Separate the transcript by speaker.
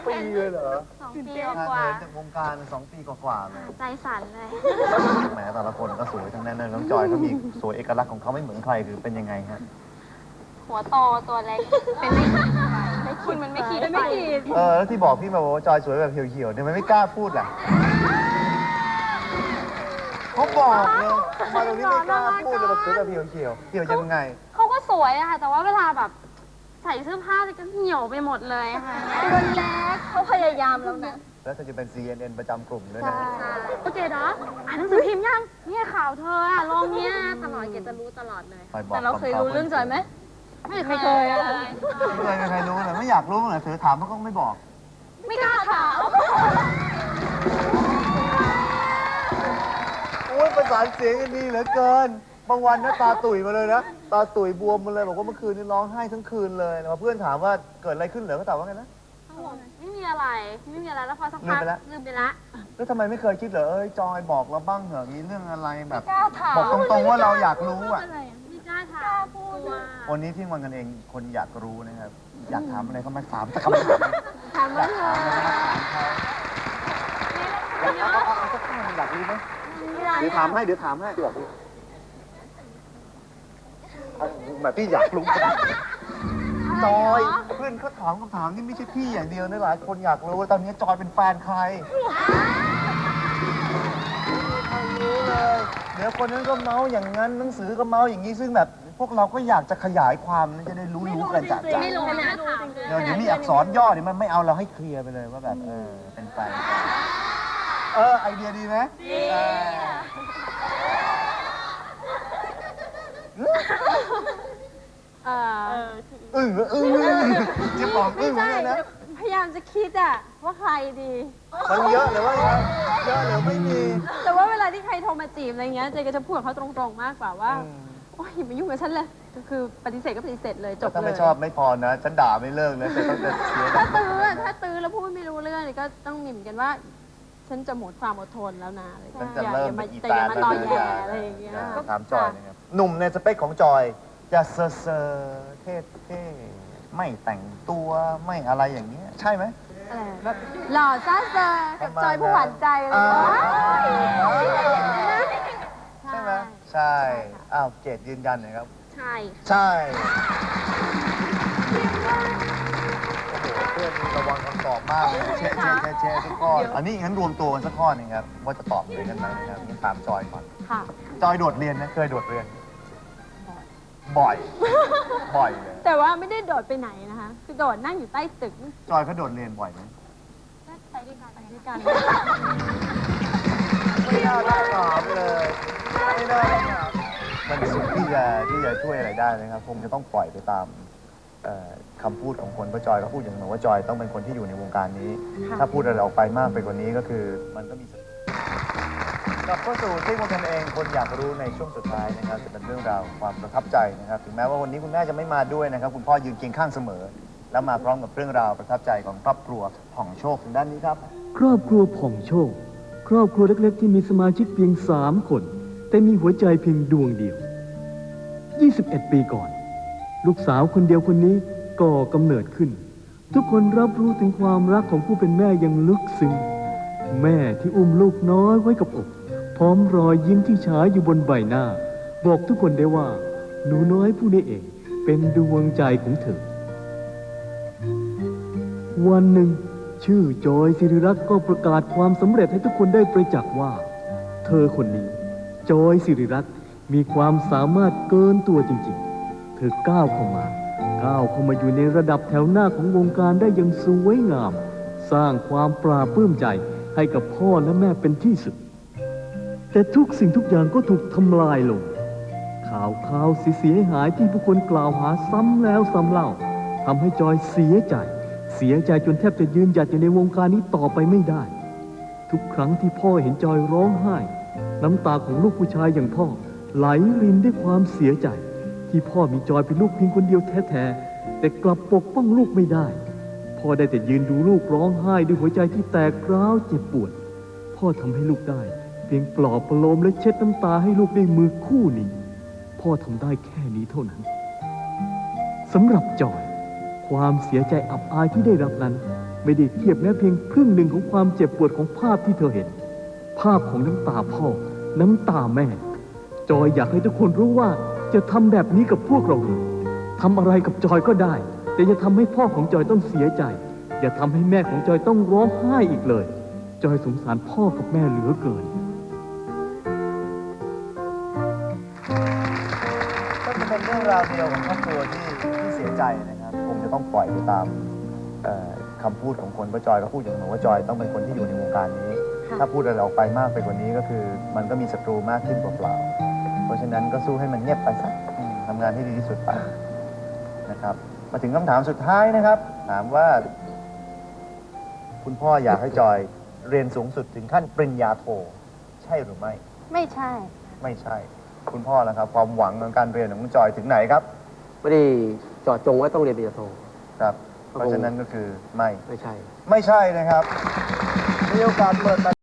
Speaker 1: ปีเลยเหรอ
Speaker 2: 2 ปีก
Speaker 1: ห่าง
Speaker 2: ว่า
Speaker 1: เหินจากวงการ2 ปีกว่าๆเลย
Speaker 2: ใจสั่นเลย
Speaker 1: แหมแต่ละคนก็สวยทั้งนั้นเลยน้องจอยเขามีสวยเอกลักษณ์ของเขาไม่เหมือนใครคือเป็นยังไงฮะ
Speaker 2: หัวโตตัวเล็ก เป็นไม่คิดมันไม่คิดไป
Speaker 1: แล้วที่บอกพี่มาบอกว่าจอยสวยแบบเหี่ยวๆเนี่ยมันไม่กล้าพูดล่ะเขาบอกเลยทำไมตรงนี้ไม่กล้าพูดเลยแบบสวยแบบเหี่ยวๆเหี่ยวยังไง
Speaker 2: เขาก็สวยอะค่ะ แต่ว่าเวลาแบบใส่เสื้อผ้าก็เหี่ยวไปหมดเลยค่ะตัวเล็กเขาพยายามแล้วนะ
Speaker 1: แล้วเธอจะเป็น CNN ประจำกลุ่มด้วยนะ
Speaker 2: โอเคเนาะอ่านหนังสือพิมพ์ยังเนี่ยข่าวเธออะลงเนี้ยตลอดเกดจะรู้ตลอดเลย
Speaker 3: แต่เราเคยรู้เรื่องจอยไหม
Speaker 2: ไม่เคยอะ
Speaker 1: ไม่เคยรู้เลยไม่อยากรู้เลยเธอถามเขาก็ไม่บอก
Speaker 2: ไม่กล้าถาม
Speaker 1: โอ้ยประสานเสียงกันดีเหลือเกิน บางวันนะตาตุ๋ยมาเลยนะ ตาตุ๋ยบวมมาเลยบอกว่าเมื่อคืนนี้ร้องไห้ทั้งคืนเลยนะเพื่อนถามว่าเกิดอะไรขึ้นเหรอเขาตอบว่าไงนะ
Speaker 2: ไม่มีอะไรแล้วพอสักพักลืมไปละ
Speaker 1: แล้วทำไมไม่เคยคิดเหรอจอยบอกเราบ้างเหรอมีเรื่องอะไรแบบ
Speaker 2: กล้าถาม
Speaker 1: บอกตรงๆว่าเราอยากรู้อ่ะ
Speaker 2: ไม่กล้าถามกลัว
Speaker 1: วันนี้ที่วันกันเองคนอยากรู้นะครับ อยากถามอะไรก็มาถามแต่คำถาม
Speaker 2: ถามว่าเธอ
Speaker 1: เอาสักข้ออยากรู้ไหมเดี๋ยวถามให้แบบพี่อยากรู้จอยเพื่อนเขาถามคำถามนี่ไม่ใช่พี่อย่างเดียวนะหลายคนอยากรู้ว่าตอนนี้จอยเป็นแฟนใครรู้เลยเดี๋ยวคนนั้นก็เมาอย่างนั้นหนังสือก็เมาอย่างนี้ซึ่งแบบพวกเราก็อยากจะขยายความจะได้รู้กันจากใจ
Speaker 2: ไม่รู้ขนาดถาม
Speaker 1: เดี๋ยวมีอักษรย่อเนี่ยมันไม่เอาเราให้เคลียร์ไปเลยว่าแบบเป็นแฟนกันไอเดียดีไหมดีจะบอกเหมือนกันนะ
Speaker 3: พยายามจะคิดอะว่าใครดี
Speaker 1: มันเยอะหรือว่าเยอะหรือไม่มี
Speaker 3: แต่ว่าเวลาที่ใครโทรมาจีบอะไรเงี้ยเจก็จะพูดกับเขาตรงๆมากกว่าว่าโอ๊ยอย่ามายุ่งกับฉันเลยก็คือปฏิเสธก็ปฏิเสธเลยจบเลย
Speaker 1: ถ้าไม่ชอบไม่พอนะฉันด่าไม่เลิกนะแต่ต้องจะเสีย
Speaker 3: ถ้าตื้อแล้วพูดไม่รู้เรื่องนี่ก็ต้องมีเหมือนกันว่า ฉันจะหมดความอดทนแล้วนะอะไรอย่าง
Speaker 1: ฉัน
Speaker 3: เงี้ย
Speaker 1: จะเริ่ม
Speaker 3: แต่อย่ามาตอแย่อะไรอย่างเงี้ย
Speaker 1: ถามจอยนะครับหนุ่มในสเปคของจอยจะเซอร์เท่ๆไม่แต่งตัวไม่อะไรอย่างเงี้ยใช่ไหม
Speaker 3: แบบหล่อซ่าเซอร์กับจอยผู้หวานใจอะไรอย่างเงี้ย
Speaker 1: ใช่ไหมใช่อ้าวเกดยืนยันหน่อยครับ
Speaker 2: ใช่
Speaker 1: ใช่โอ้โหเพื่อนระวังคำตอบมากเลยเช็ทุกข้ออันนี้งั้นรวมตัวกันสักข้อหนึงครับว่าจะตอบเหมือนกันไหมนะครับงั้นตามจอยก่อน
Speaker 3: ค่ะ
Speaker 1: จอยโดดเรียนนะเคยโดดเรียนบ่อยเลย
Speaker 3: แต่ว่าไม่ได้โดดไปไหนนะคะคือโดดนั่งอยู่ใต้ตึก
Speaker 1: จอยเขาโดดเรียนบ่อยไหม
Speaker 3: ไปด้วยกัน
Speaker 1: ไม่น่าได้ถามเลยไม่น่าได้ถามมันสุดที่จะช่วยอะไรได้นะครับคงจะต้องปล่อยไปตามคำพูดของคนเพราะจอยก็พูดอย่างหนึ่งว่าจอยต้องเป็นคนที่อยู่ในวงการนี้ ถ้าพูดอะไรออกไปมากไปกว่านี้ก็คือมันก็มีกลับเข้าสู่ที่คนกันเองคนอยากรู้ในช่วงสุดท้ายนะครับจะเป็นเรื่องราวความประทับใจนะครับถึงแม้ว่าวันนี้คุณแม่จะไม่มาด้วยนะครับคุณพ่อยืนเคียงข้างเสมอ แล้วมาพร้อมกับเรื่องราวประทับใจของครอบครัวผ่องโชคทางด้านนี้ครับ
Speaker 4: ครอบครัวผ่องโชค ครอบครัวเล็กๆที่มีสมาชิกเพียง3 คน แต่มีหัวใจเพียงดวงเดียว 21 ปีก่อน ลูกสาวคนเดียวคนนี้ก่อกำเนิดขึ้น ทุกคนรับรู้ถึงความรักของผู้เป็นแม่อย่างลึกซึ้งแม่ที่อุ้มลูกน้อยไว้กับอกพร้อมรอยยิ้มที่ฉายอยู่บนใบหน้า บอกทุกคนได้ว่าหนูน้อยผู้นี้เองเป็นดวงใจของเธอ วันหนึ่งชื่อจอยศิริรักษ์ก็ประกาศความสำเร็จให้ทุกคนได้ประจักษ์ว่า เธอคนนี้จอยศิริรักษ์มีความสามารถเกินตัวจริงๆ เธอก้าวเข้ามาอยู่ในระดับแถวหน้าของวงการได้อย่างสวยงาม สร้างความปราบปลื้มใจให้กับพ่อและแม่เป็นที่สุด แต่ทุกสิ่งทุกอย่างก็ถูกทำลายลง ข่าวเสียหายที่ผู้คนกล่าวหาซ้ำแล้วซ้ำเล่าทำให้จอยเสียใจจนแทบจะยืนหยัดอยู่ในวงการนี้ต่อไปไม่ได้ ทุกครั้งที่พ่อเห็นจอยร้องไห้น้ำตาของลูกผู้ชายอย่างพ่อไหลรินด้วยความเสียใจที่พ่อมีจอยเป็นลูกเพียงคนเดียวแท้ๆแต่กลับปกป้องลูกไม่ได้พ่อได้แต่ยืนดูลูกร้องไห้ด้วยหัวใจที่แตกร้าวเจ็บปวดพ่อทำให้ลูกได้เพียงปลอบประโลมและเช็ดน้ำตาให้ลูกด้วยมือคู่นี้พ่อทำได้แค่นี้เท่านั้น สำหรับจอยความเสียใจอับอายที่ได้รับนั้นไม่ได้เทียบแม้เพียงครึ่งหนึ่งของความเจ็บปวดของภาพที่เธอเห็น ภาพของน้ำตาพ่อ น้ำตาแม่ จอยอยากให้ทุกคนรู้ว่าจะทำแบบนี้กับพวกเราเลยทำอะไรกับจอยก็ได้ แต่อย่าทำให้พ่อของจอยต้องเสียใจ อย่าทำให้แม่ของจอยต้องร้องไห้อีกเลย จอยสงสารพ่อกับแม่เหลือเกิน
Speaker 1: ก็จะเป็นเรื่องราวเดียวของครอบครัวที่เสียใจนะครับคงจะต้องปล่อยไปตามคำพูดของคนป้าจอยก็พูดอย่างนั้นว่าจอยต้องเป็นคนที่อยู่ในวงการนี้ ถ้าพูดอะไรออกไปมากไปกว่านี้ก็คือ มันก็มีศัตรูมากขึ้นเปล่าๆเพราะฉะนั้นก็สู้ให้มันเงียบไปสักทำงานให้ดีที่สุดไปนะครับมาถึงคำถามสุดท้ายนะครับ ถามว่า คุณพ่ออยากให้จอยเรียนสูงสุดถึงขั้นปริญญาโทใช่หรือไม่
Speaker 2: ไม่ใช่
Speaker 1: ไม่ใช่ คุณพ่อแล้วครับ ความหวังของการเรียนของคุณจอยถึงไหนครับ
Speaker 5: ไม่ได้เจาะจงว่าต้องเรียนปริญญาโท
Speaker 1: ครับ เพราะฉะนั้นก็คือไม่
Speaker 5: ไม่ใช่
Speaker 1: ไม่ใช่นะครับมีโอกาสเปิด